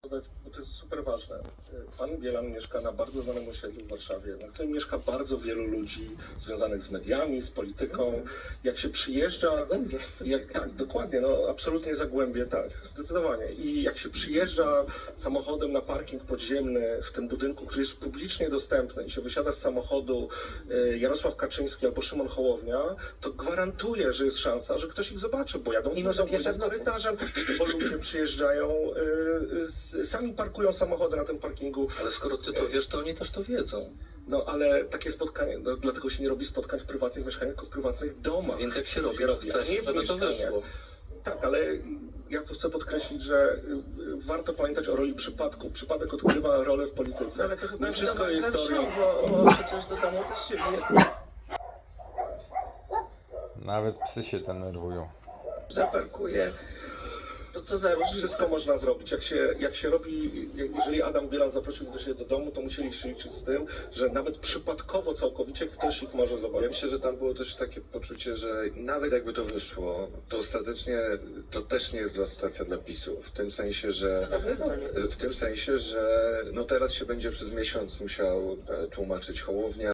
podać, bo to jest super ważne. Pan Bielan mieszka na bardzo znanym osiedlu w Warszawie, na którym mieszka bardzo wielu ludzi związanych z mediami, z polityką. Jak się przyjeżdża... Zagłębie. Tak, dokładnie, no absolutnie Zagłębie, tak, zdecydowanie. I jak się przyjeżdża samochodem na parking podziemny w tym budynku, który jest publicznie dostępny i się wysiada z samochodu Jarosław Kaczyński albo Szymon Hołownia, to gwarantuję, że jest szansa, że ktoś ich zobaczy, bo jadą Mimo, że pierwsza w nocy. korytarzem, bo ludzie przyjeżdżają, sami parkują samochody na tym parkingu. Ale skoro ty to wiesz, to oni też to wiedzą. No ale takie spotkanie, no, dlatego się nie robi spotkań w prywatnych mieszkaniach, tylko w prywatnych domach. Więc jak się robi, Się to robi, a chcesz, nie w żeby to mieszkaniach. wyszło. Tak, ale ja chcę podkreślić, że warto pamiętać o roli przypadku. Przypadek odgrywa rolę w polityce. Ale to chyba Nie wszystko jest teorią. zawsze, bo przecież do domu też się Nawet psy się denerwują. zaparkuje. To co za różnica? Wszystko można zrobić. Jak się robi, jeżeli Adam Bielan zaprosił do siebie do domu, to musieli się liczyć z tym, że nawet przypadkowo całkowicie ktoś ich może Ja zobaczyć. myślę, że tam było też takie poczucie, że nawet jakby to wyszło, to ostatecznie to też nie jest zła sytuacja dla PiS-u. W tym sensie, że no teraz się będzie przez miesiąc musiał tłumaczyć Hołownia.